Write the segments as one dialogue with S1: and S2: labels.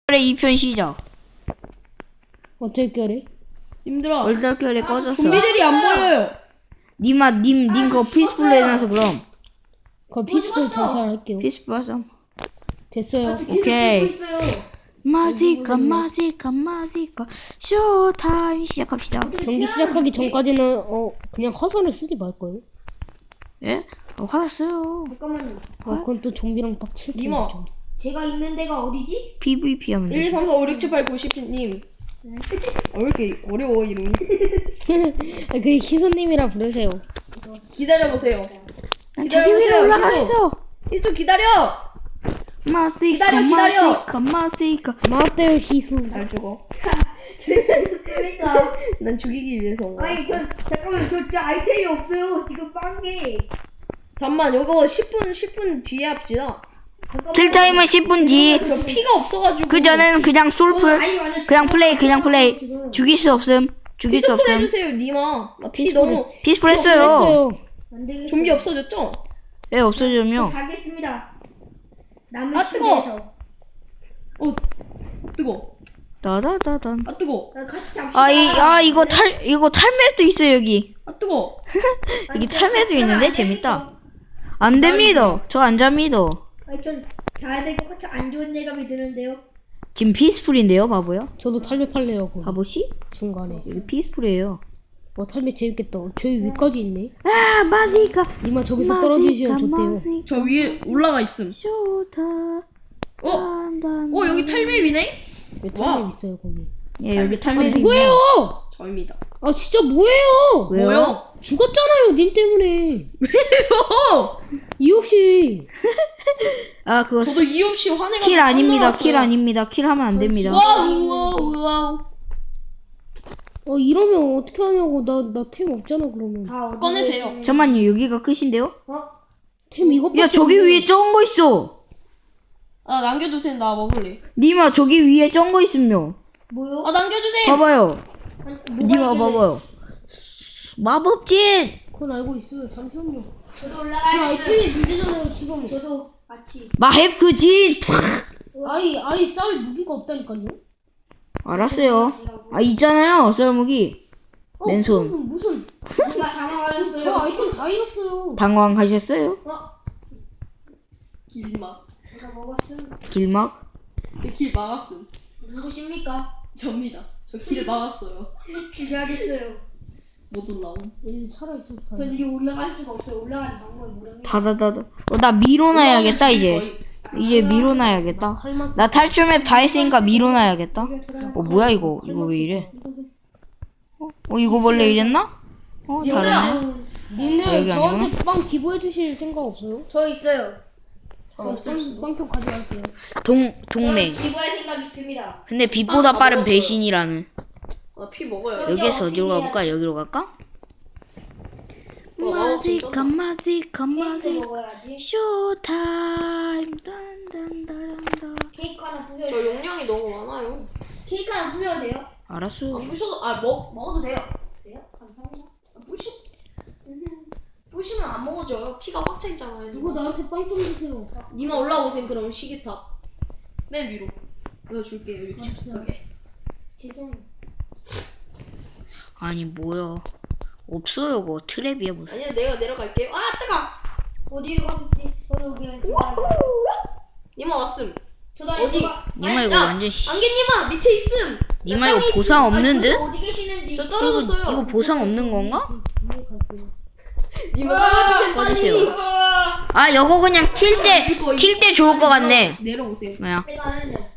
S1: 2편 시작.
S2: 어쩔결에?
S3: 힘들어.
S1: 얼떨결에 꺼졌어.
S3: 좀비들이 안 보여요.
S1: 님 그거 피스풀로 해놔서 그럼.
S2: 그럼 피스풀 전사할게요.
S1: 피스풀 하자.
S2: 됐어요.
S1: 오케이. 마시카 쇼타임 시작합시다.
S2: 경기 시작하기 전까지는 그냥 화살을 쓰지 말거예요.
S1: 예? 화났어요.
S4: 잠깐만요.
S2: 그건 또 좀비랑 빡칠 텐데.
S3: 니모.
S2: 좀.
S4: 제가 있는 데가 어디지?
S1: PVP 하면
S3: 1, 2,
S1: 돼.
S3: 3, 4, 5, 6, 7, 8, 9, 10님. 왜 이렇게 어려워 이름이?
S2: 그 희수님이라 부르세요.
S3: 기다려보세요.
S1: 저기 위로 올라가 있어.
S3: 또 기다려.
S1: 마시카
S2: 맞대요 희수.
S3: 잘 죽어.
S4: 그러니까.
S3: 난 죽이기 위해서 온 거야.
S4: 아니 잠깐만 저 진짜 아이템이 없어요. 지금 싼 게.
S3: 잠만 요거 10분 뒤에 합시다.
S1: 킬타임은 10분 뒤.
S3: 저 피가 없어가지고.
S1: 그 전에는 그냥 솔플. 그냥 플레이. 죽일 수 없음.
S3: 피스풀 해주세요 니마. 나 피
S2: 피스풀.
S3: 너무.
S1: 피스풀 했어요.
S2: 했어요.
S4: 안 되겠어요.
S3: 좀비 없어졌죠?
S1: 왜 없어지면?
S4: 가겠습니다. 남의
S3: 아, 뜨거워.
S4: 침대에서.
S3: 뜨거.
S1: 따다다단.
S3: 아 뜨거.
S4: 같이 잡시다.
S1: 이거 탈맵도 있어 여기.
S3: 아 뜨거.
S1: 여기 탈맵도 있는데 재밌다. 안 됩니다. 저 안 잡니다.
S4: 아니 전 자야 될 것 같아. 안 좋은 예감이 드는데요.
S1: 지금 피스풀인데요, 바보요?
S2: 저도 탈매팔래요. 거기.
S1: 바보씨?
S2: 중간에.
S1: 여기 피스풀이에요.
S2: 탈매 재밌겠다. 저기 위까지 있네.
S1: 아, 마지카.
S2: 니마 저기서 떨어지시면 좋대요.
S3: 저 위에 올라가 있음.
S1: 쇼타.
S3: 여기 탈맵이네?
S2: 왜
S3: 와.
S2: 탈매 있어요 거기?
S1: 예, 여기
S2: 아
S1: 탈맵.
S2: 누구예요?
S3: 저입니다.
S2: 아 진짜 뭐예요?
S1: 왜요?
S3: 뭐요?
S2: 죽었잖아요 님 때문에. 이유 없이.
S1: 아, 그거
S3: 저도 이유 없이 화내가.
S1: 킬 아닙니다. 킬 아닙니다. 킬 하면 안 됩니다.
S3: 와우.
S2: 이러면 어떻게 하냐고. 나 템 없잖아 그러면.
S4: 다 어디
S3: 꺼내세요.
S4: 계시는-
S1: 잠깐만요. 여기가 끝인데요?
S2: 템 이것밖에
S1: 야, 저기
S2: 없네.
S1: 위에 적은 거 있어.
S3: 아 남겨주세요. 나 먹을래.
S1: 니마 저기 위에 적은 거 있음요.
S4: 뭐요?
S3: 아 남겨주세요.
S1: 봐봐요.
S4: 뭐가
S1: 니마
S4: 있길래?
S1: 봐봐요. 마법진.
S2: 그건 알고 있어요. 잠시만요.
S4: 저도
S2: 저
S4: 올라가야
S2: 아이템이 문제잖아요 지금.
S4: 저도 같이.
S1: 마헵 그 진.
S2: 아이 쌀 무기가 없다니까요.
S1: 알았어요. 아, 있잖아요. 썰무기. 맨손.
S2: 그러면 무슨
S4: 누가
S2: 저
S4: 당황하셨어요?
S2: 아이템 다 잃었어요.
S1: 당황하셨어요?
S3: 길막.
S4: 제가 먹었음.
S1: 길막?
S3: 길 막았음.
S4: 누구십니까?
S3: 접니다. 저 길 막았어요.
S4: 죽여야겠어요.
S3: 못 올라옴.
S2: 여기 살아있어.
S4: 전 여기 올라갈 수가 없어요. 올라가는 방법이 모릅니다.
S1: 다다다다. 나 밀어놔야겠다 이제.
S3: 거의.
S1: 이제 밀어놔야겠다.
S2: 할만.
S1: 나 탈출맵 다 했으니까 밀어놔야겠다. 뭐야 이거? 이거 왜 이래? 이거 원래 이랬나? 다르네.
S2: 님들
S1: 여기
S2: 저한테 빵 기부해 주실 생각 없어요?
S4: 저 있어요.
S2: 빵통 가져갈게요.
S1: 동맹.
S4: 저 기부할 생각 있습니다.
S1: 근데 빛보다 빠른 배신이라는.
S3: 나 피 먹어요.
S1: 여기에서 어디로 가볼까? 여기로 갈까? 마지카
S4: 케이크 먹어야지.
S1: 쇼타임 딴딴따란다.
S4: 케이크 하나 부셔도
S3: 저 용량이 너무 많아요.
S4: 케이크 하나 부셔도 돼요?
S1: 알았어.
S3: 부셔도 먹어도 돼요.
S4: 돼요? 감사합니다.
S3: 부시면 안 먹어져요. 피가 꽉 차 있잖아요.
S2: 누구 나한테 빵 좀 주세요.
S3: 니마 올라오세요. 그럼 시계탑. 맨 위로. 내가 줄게요. 여기 저게.
S4: 죄송해요.
S1: 아니 뭐야? 없어요 그거 트랩이야 무슨?
S3: 아니야 내가 내려갈게요. 아 뜨거.
S4: 어디로 가셨지? 저도 여기
S3: 니마 왔음.
S4: 저도
S3: 어디?
S1: 니마 이거
S3: 야,
S1: 완전 씨.
S3: 안개님아 밑에 있음.
S1: 니마 이거 보상 없는 듯?
S4: 어디 계시는지.
S3: 저 떨어졌어요.
S1: 이거 보상 없는 건가?
S2: 위에 갈게요.
S3: 니마 떨어지세요 빨리.
S1: 꺼주세요. 아 이거 그냥 튈 때 좋을 것 같네.
S3: 내려오세요.
S1: 뭐야?
S4: 내가 아는데.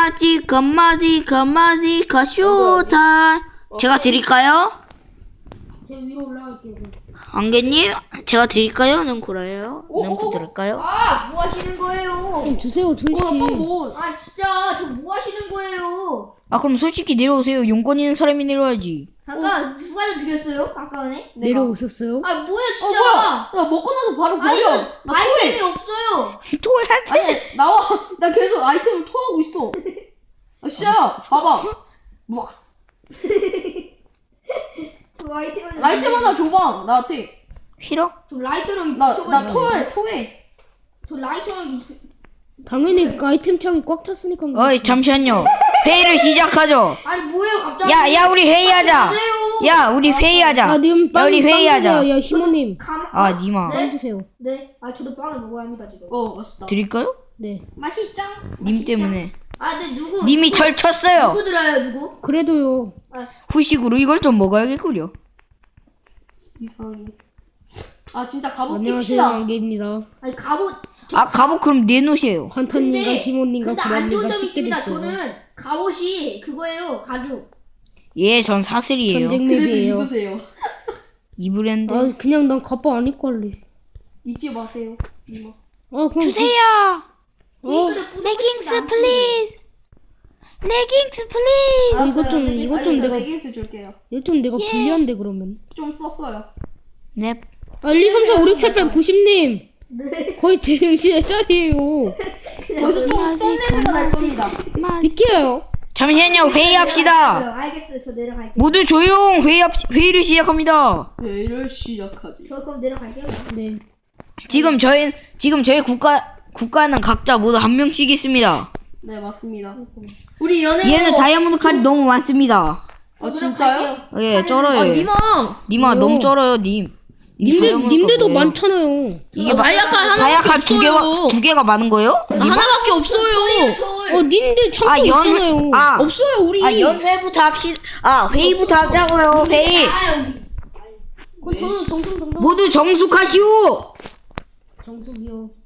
S1: 마지카 쇼타임. 제가 드릴까요?
S2: 제가 위로 올라갈게요. 그럼.
S1: 안개님 제가 드릴까요? 능쿠라예요? 능쿠 드릴까요?
S4: 아, 뭐 하시는 거예요?
S2: 좀 주세요 조이씨.
S4: 아, 진짜 저 뭐 하시는 거예요?
S1: 아 그럼 솔직히 내려오세요. 용건 있는 사람이 내려와야지.
S4: 잠깐 누가 좀 죽였어요? 아까 전에?
S2: 내려오셨어요?
S4: 아, 뭐야 진짜?
S3: 뭐야? 야 먹고 나서 바로 버려. 나
S4: 아이템이
S3: 토해.
S4: 없어요.
S1: 토해한테.
S3: 아니 나와. 나 계속 아이템을 토하고 있어. 아 진짜 봐봐. 뭐
S4: 저 아이템은
S3: 라이템 하나 줘봐 나한테.
S1: 싫어?
S4: 저 라이터랑
S3: 나 토해.
S4: 저 라이터랑
S2: 당연히 아이템 창이 꽉 찼으니까.
S1: 어이 잠시만요. 회의를 시작하죠.
S3: 아니 뭐예요 갑자기?
S1: 야 우리 회의하자. 야 우리 회의하자.
S2: 아, 님
S1: 야
S2: 빵,
S1: 우리
S2: 빵
S1: 회의하자.
S2: 주세요. 야, 시모님.
S1: 아 니마
S2: 빵 주세요.
S4: 네. 아 저도 빵을 먹어야 합니다 지금.
S3: 맛있다.
S1: 드릴까요?
S2: 네.
S4: 맛있죠?
S1: 님 때문에.
S4: 아, 네 누구?
S1: 님이 절 쳤어요.
S4: 누구 들어요 누구?
S2: 그래도요.
S1: 후식으로 이걸 좀 먹어야겠구려.
S3: 이상해. 아 진짜 갑옷
S2: 안녕하세요,
S3: 깁시다.
S2: 안개입니다.
S4: 아니 갑옷.
S1: 아 갑옷 그럼 내놓으세요.
S2: 환타님과 시모님과
S4: 근데 안 좋은
S2: 구라님과
S4: 점이 있습니다.
S2: 찍게 됐어요.
S4: 저는 갑옷이 그거예요 가죽.
S1: 예, 전 사슬이에요.
S2: 전쟁
S3: 그래도
S2: 맵이에요.
S3: 입으세요.
S1: 이 브랜드.
S2: 아, 그냥 난 갑바 안 입고 할래.
S3: 잊지 마세요. 이모.
S2: 아, 그럼
S1: 주세요.
S4: 링크를 뿌리고
S1: 레깅스
S4: 싶지 않은데.
S1: 플리즈. 레깅스 플리즈.
S2: 이것 좀, 이것 좀 내가,
S3: 레깅스 줄게요.
S2: 이것 좀 내가
S1: 예.
S2: 불리한데, 그러면.
S3: 좀 썼어요.
S1: 넵.
S2: 아, 1, 2, 3, 4, 5, 6, 7, 8, 90님.
S4: 네.
S2: 거의 제 정신의 짤이에요.
S3: 거기서 좀 썸네일가 날 겁니다.
S2: 비켜요.
S1: 잠시만요. 회의합시다.
S4: 알겠어요. 저 내려갈게요.
S1: 모두 조용. 회의를 시작합니다.
S3: 회의를 시작하지.
S4: 저 그럼 내려갈게요.
S2: 네.
S1: 지금 저희 국가는 각자 모두 한 명씩 있습니다.
S3: 네 맞습니다. 우리 연애.
S1: 얘는 다이아몬드 칼이 너무 많습니다.
S3: 아 진짜요?
S1: 예, 쩔어요.
S3: 아
S1: 얘.
S3: 니마.
S1: 님아
S2: 왜요?
S1: 너무 쩔어요, 님. 님 다이아몬드
S2: 님들도
S1: 칼 뭐예요?
S2: 많잖아요.
S1: 이게
S3: 다이아칼
S1: 두 개가 많은 거예요?
S3: 하나밖에 없어요.
S2: 님들 창고 있잖아요.
S3: 없어요 우리.
S1: 연회부터 합시다. 회의부터 하자고요. 회의.
S2: 그럼 저는 정성정성.
S1: 모두 정숙하시오.
S2: 정석이요.